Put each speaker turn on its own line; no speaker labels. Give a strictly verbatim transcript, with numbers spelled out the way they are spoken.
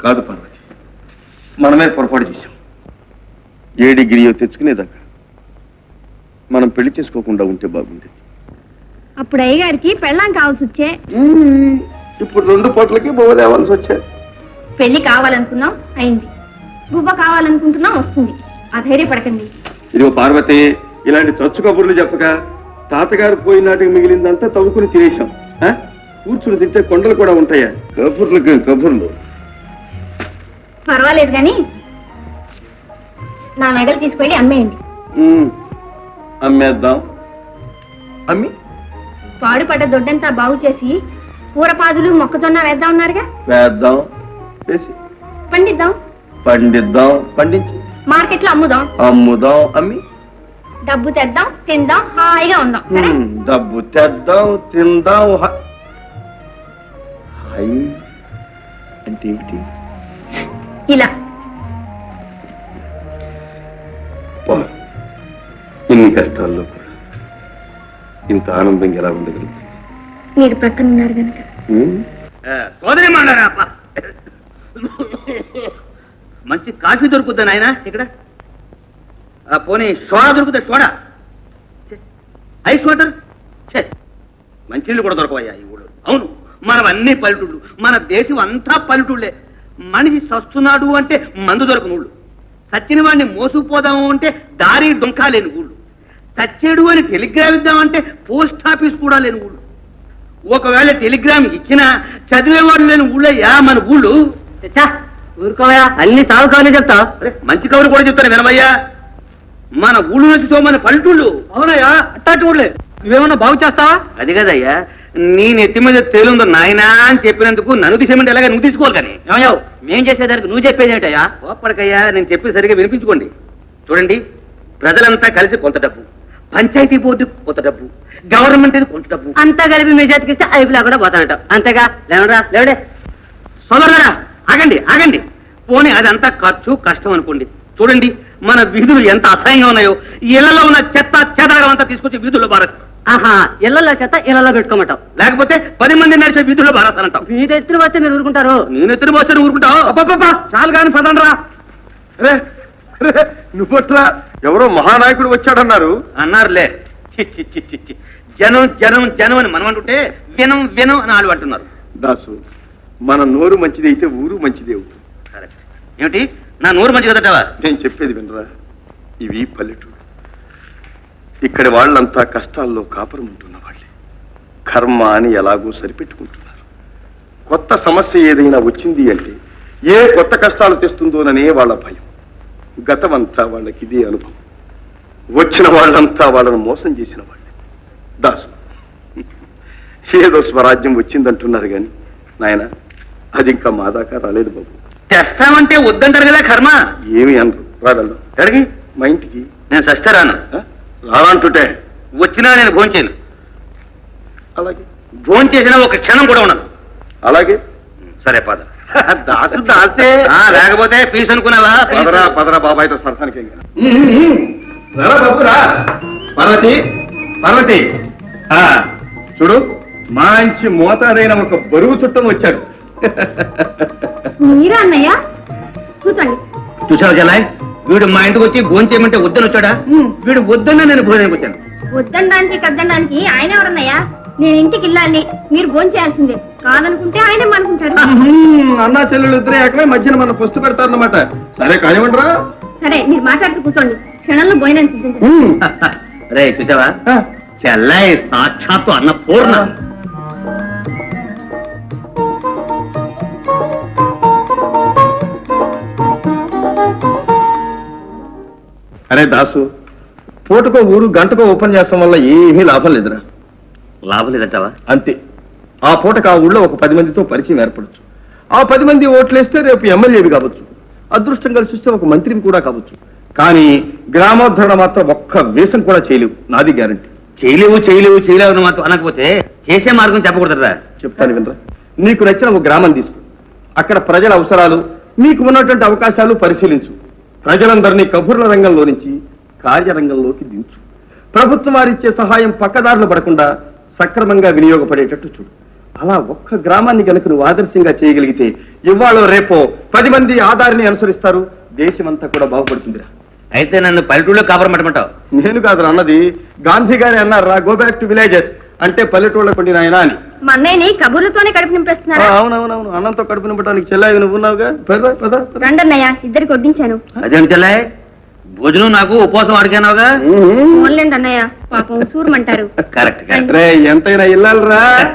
కాదు పార్వతి, మనమే పొరపాటు చేశాం. ఏ డిగ్రీయో తెచ్చుకునేదాకా మనం పెళ్లి చేసుకోకుండా ఉంటే బాగుండేది.
అప్పుడు అయ్యగారికి పెళ్ళాం కావాల్సి వచ్చే.
ఇప్పుడు రెండు పూటలకి బొవ్వ తేవాల్సి వచ్చాయి.
పెళ్లి కావాలనుకున్నాం, అయింది. గుబ్బ కావాలనుకుంటున్నాం, వస్తుంది. ఆ ధైర్యపడకండి.
ఇదిగో పార్వతి, ఇలాంటి చచ్చు కబుర్లు చెప్పక తాతగారు పోయిన నాటికి మిగిలిందంతా తవ్వుకుని తినేశాం. కూర్చుని తింటే కొండలు కూడా ఉంటాయా? కబుర్లకి కబుర్లు.
పర్వాలేదు కానీ నా మెడలు తీసుకెళ్ళి అమ్మేయండి.
అమ్మేద్దాం. అమ్మి
పాడుపడ్డ దొడ్డంతా బాగు చేసి కూరపాదులు మొక్కజొన్న వేద్దాం ఉన్నారుగా.
వేద్దాం. వేసి
పండిద్దాం.
పండిద్దాం. పండించి
మార్కెట్ లో అమ్ముదాం.
అమ్ముదాం. అమ్మి
డబ్బు తెద్దాం, తిందాం, హాయిగా ఉందాం.
డబ్బు తెద్దాం, తిందాం. హాయ్ అంటే ఏమిటి?
ఇలా
ఇన్ని కష్టాల్లో కూడా ఇంత ఆనందంగా ఎలా ఉండగలుగుతుంది?
మీరు ప్రక్కన ఉన్నారు కనుక.
సోదరి మండారా, మంచి కాఫీ దొరుకుద్దా నాయన ఇక్కడ? పోనీ సోడా దొరుకుతా? సోడా, ఐస్ వాటర్, మంచినీళ్ళు కూడా దొరకవయ్యా ఈ ఊళ్ళో. అవును, మనం అన్ని పల్లెటూళ్ళు, మన దేశం అంతా పల్లెటూళ్ళే. మనిషి సస్తున్నాడు అంటే మందు దొరకని ఊళ్ళు, సచ్చిన వాడిని మోసుకుపోదాము అంటే దారి డొంకా లేని ఊళ్ళు, చచ్చేడు అని టెలిగ్రామ్ ఇద్దామంటే పోస్ట్ ఆఫీస్ కూడా లేని ఊళ్ళు, ఒకవేళ టెలిగ్రామ్ ఇచ్చినా చదివేవాడు లేని ఊళ్ళయ్యా మన ఊళ్ళు. ఊరుకోవయా, అన్ని సాగు కవర్లు చెప్తా. మంచి కవులు కూడా చెప్తాను వినమయ్యా. మన ఊళ్ళు నుంచి మన పల్లెటూళ్ళు. అవునయ్యా, అట్టాటి ఊళ్ళే. నువ్వేమన్నా బాగు చేస్తావా? అది కదయ్యా, నీ నెత్తి మీద తేలుందో నాయనా అని చెప్పినందుకు నన్ను తీసేమంటే ఎలాగ నువ్వు తీసుకోవాలి. కానీ ఏమయ్యావు, మేం చేసేదానికి నువ్వు చెప్పేది ఏంటయ్యా? ఓపడకయ్యా, నేను చెప్పేది సరిగా వినిపించుకోండి. చూడండి, ప్రజలంతా కలిసి కొంత డబ్బు, పంచాయతీ బోర్డు కొంత డబ్బు, గవర్నమెంట్ కొంత డబ్బు, అంతా కలిపి మీ చేతికి ఇస్తే అయిపోలా కూడా పోతానట. అంతేగా? లేవరా లేవడే సోదరురా, ఆగండి ఆగండి. పోనీ అదంతా ఖర్చు కష్టం అనుకోండి. చూడండి, మన వీధులు ఎంత అసహ్యంగా ఉన్నాయో. ఇళ్లలో ఉన్న చెత్త చెదరగం అంతా తీసుకొచ్చి వీధుల్లో బారేస్తాం. ఆహా, ఇళ్లలో చెత్త ఇళ్లలో పెట్టుకోమంటావు, లేకపోతే పది మంది నడిచే వీధుల్లో బారేస్తానంటావు. వీధి ఎత్తున వస్తే మీరు ఊరుకుంటారు? నేను ఎత్తున వస్తే ఊరుకుంటావు? అబ్బా, చాలు కానీ పదండ్రా.
నువ్వట్లా ఎవరో మహానాయకుడు వచ్చాడన్నారు.
అన్నారులే. చి చి చి జనం జనం జనం అని మనం అంటుంటే వినం వినం అని వాళ్ళు అంటున్నారు.
దాసు, మన నోరు మంచిది అయితే ఊరు మంచిది అవుతుంది.
కరెక్ట్. ఏమిటి నా నోరు మంచి కదటవా?
నేను చెప్పేది వినరా, ఇవి పల్లెటూరు. ఇక్కడి వాళ్ళంతా కష్టాల్లో కాపురం ఉంటున్న వాళ్ళే. కర్మ అని ఎలాగో సరిపెట్టుకుంటున్నారు. కొత్త సమస్య ఏదైనా వచ్చింది అంటే ఏ కొత్త కష్టాలు తెస్తుందోననే వాళ్ళ భయం. గతమంతా వాళ్ళకి ఇదే అనుభవం. వచ్చిన వాళ్ళంతా వాళ్ళను మోసం చేసిన వాళ్ళే. దాసు, ఏదో స్వరాజ్యం వచ్చిందంటున్నారు కానీ నాయన, అది ఇంకా మా దాకా రాలేదు బాబు.
తెస్తామంటే వద్దంటారు కదా కర్మ.
ఏమి అనరు. రాగలరు అడిగి మా ఇంటికి.
నేను సస్తే రాను.
రానంటుంటే
వచ్చినా నేను భోంచేను.
అలాగే.
భోంచేసినా ఒక క్షణం కూడా ఉండదు.
అలాగే.
సరే పద.
దాసు దాసే,
లేకపోతే ఫీజు అనుకున్నావా?
పదరా పదరా బాబాయ్తో సరసానికి. బాబురా పార్వతి, పార్వతి చూడు, మంచి మోతాదైన ఒక బరువు చుట్టం వచ్చాడు.
మీరా అన్నయ్య? కూర్చోండి.
చూసావు జలాయ్, వీడు మా ఇంటికి వచ్చి భోజనం చేయమంటే వద్దని వచ్చాడా? వీడు వద్దన్నా నేను భోజనానికి వచ్చాను.
వద్దనడానికి కద్దనడానికి ఆయన ఎవరన్నయ్యా? నేను ఇంటికి వెళ్ళాలి, మీరు భోజనం చేయాల్సిందే. కాదనుకుంటే ఆయనే అనుకుంటారు.
అన్నా చెల్లెలు ఇద్దరే ఏకమే మధ్యన మన పొస్తు పెడతారన్నమాట. సరే కానివ్వండిరా.
సరే, మీరు మాట్లాడుతూ కూర్చోండి, క్షణంలో భోజనం సిద్ధించండి.
రే చూసావా, చెల్లాయి సాక్షాత్తు అన్న పూర్ణ.
అరే దాసు, పూటకో ఊరు గంటకో ఓపెన్ చేస్తాం వల్ల ఏమీ లాభం లేదురా.
లాభం లేదంటావా?
అంతే. ఆ పూటకు ఆ ఊళ్ళో ఒక పది మందితో పరిచయం ఏర్పడచ్చు. ఆ పది మంది ఓట్లేస్తే రేపు ఎమ్మెల్యేవి కావచ్చు, అదృష్టం కలిసి వస్తే ఒక మంత్రిని కూడా కావచ్చు. కానీ గ్రామోద్ధరణ మాత్రం ఒక్క వేషం కూడా చేయలేవు, నాది గ్యారంటీ.
చేయలేవు చేయలేవు చేయలేవు మాత్రం అనకపోతే చేసే మార్గం చెప్పకూడదురా.
చెప్తాను వినరా. నీకు నచ్చిన ఒక గ్రామం తీసుకో, అక్కడ ప్రజల అవసరాలు, నీకు ఉన్నటువంటి అవకాశాలు పరిశీలించు. ప్రజలందరినీ కబుర్ల రంగంలో నుంచి కార్యరంగంలోకి దించు. ప్రభుత్వం వారిచ్చే సహాయం పక్కదారులు పడకుండా సక్రమంగా వినియోగపడేటట్టు చూడు. అలా ఒక్క గ్రామాన్ని కనుక నువ్వు ఆదర్శంగా చేయగలిగితే ఇవాళ రేపో పది మంది ఆధారిని అనుసరిస్తారు, దేశమంతా కూడా బాగుపడుతుందిరా.
అయితే నన్ను పల్లెటూళ్ళలో కాపురం పెట్టమంటావు?
నేను కాదు అన్నది, గాంధీ గారి అన్నారా, గో బ్యాక్ టు విలేజెస్ అంటే పల్లెటూళ్ళ పండిన ఆయన అని.
మా అన్నయ్యని కబుర్లతోనే కడుపు
ఆ,
నింపేస్తున్నారా?
అవునవునవును, అన్నంతో కడుపు నింపడానికి చెల్లాయి నువ్వు ఉన్నావుగా. పద పద పద.
రండి అన్నయ్య, ఇద్దరికి వడ్డించాను.
అదేం చెల్లాయ్, భోజనం నాకు ఉపవాసం అడిగానావుగా.
ఉహు.
ఫోన్లేండి అన్నయ్య, పాపం సూరమంటారు.
Correct correct.
రే ఎంతైనా ఇల్లాలరా.